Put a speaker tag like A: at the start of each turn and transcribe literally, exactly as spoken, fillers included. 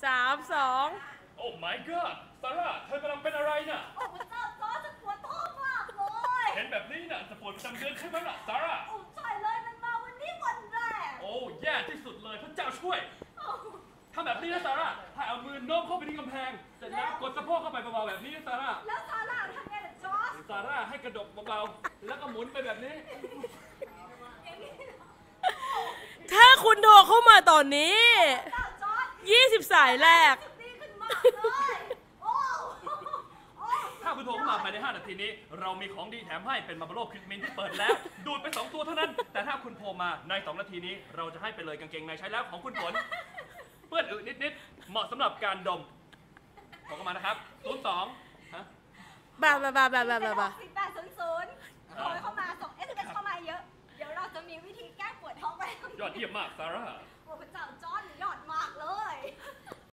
A: สามสอง
B: โอ้ my god ซาร่าเธอกำลังเป็นอะไรน่ะ
C: โอ้พระเจ้าจอร์จปวดท้องมากเลย
B: เห็นแบบนี้น่ะจะปวดประจำเดือนใช่ไหมล่ะซาร่า
C: โอ้ใช่เลยมันมาวันนี้วันแรก
B: โอ้แย่ที่สุดเลยพระเจ้าช่วยทำแบบนี้นะซาร่าให้เอามือโน้มเข้าไปที่กำแพงเสร็จแล้วกดสะโพกเข้าไปเบาๆแบบนี้นะซาร่า
C: แล้วซาร่าทำไงล่ะจอร์จ
B: ซาร่าให้กระดกเบาๆแล้วก็หมุนไปแบบนี้
A: ถ้าคุณโทรเข้ามาตอนนี้ยี่สิบสายแรก
B: ถ้าคุณโทรเข้ามาภายในห้านาทีนี้เรามีของดีแถมให้เป็นมาร์บโลคริสมินที่เปิดแล้วดูดไปสองตัวเท่านั้นแต่ถ้าคุณโทรมาในสองนาทีนี้เราจะให้ไปเลยกางเกงในใช้แล้วของคุณฝนเปื้อนอึนิดๆเหมาะสำหรับการดมโทรเข้ามานะครับศูนย์สองฮะ
A: บ้าบ้าบ้าบ้าบ้าบ้า
C: สิบแปดศูนย์ศูนย์โทรเข้ามาส่งเอสเอ็มเอสเข้ามาเยอะเดี๋ยวเราจะมีวิธีแก้ปวดท้องไป
B: ยอดเยี่ยมมากซาร่า
C: โอ้พระเจ้าจอร์จ